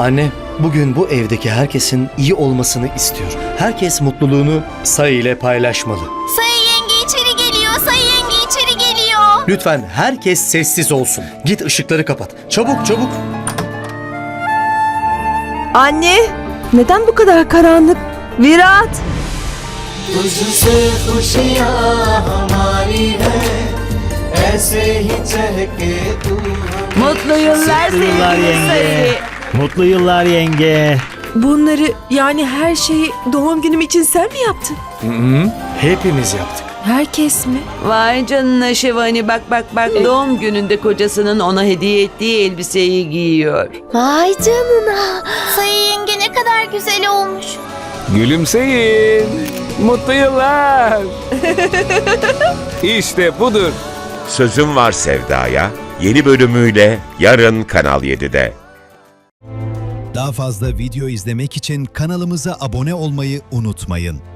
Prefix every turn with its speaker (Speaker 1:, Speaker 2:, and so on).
Speaker 1: Anne, bugün bu evdeki herkesin iyi olmasını istiyorum. Herkes mutluluğunu Sayı ile paylaşmalı.
Speaker 2: Sayı yenge içeri geliyor. Sayı yenge içeri geliyor.
Speaker 1: Lütfen herkes sessiz olsun. Git ışıkları kapat. Çabuk çabuk.
Speaker 3: Anne, neden bu kadar karanlık? Virat!
Speaker 4: तुझसे खुशियाँ हमारी है ऐसे ही चहके तू
Speaker 3: Mutlu yıllar
Speaker 5: Mutlu yıllar
Speaker 3: sevgili
Speaker 5: yenge.
Speaker 3: Sayı.
Speaker 5: Mutlu yıllar yenge.
Speaker 3: Bunları yani her şeyi doğum günüm için sen mi yaptın?
Speaker 1: Hepimiz yaptık.
Speaker 3: Herkes mi?
Speaker 6: Vay canına Şevani, bak doğum gününde kocasının ona hediye ettiği elbiseyi giyiyor.
Speaker 2: Vay canına. Sayı yenge ne kadar güzel olmuş.
Speaker 7: Gülümseyin. Mutlu yıllar. İşte budur.
Speaker 8: Sözüm Var Sevda'ya yeni bölümüyle yarın Kanal 7'de.
Speaker 9: Daha fazla video izlemek için kanalımıza abone olmayı unutmayın.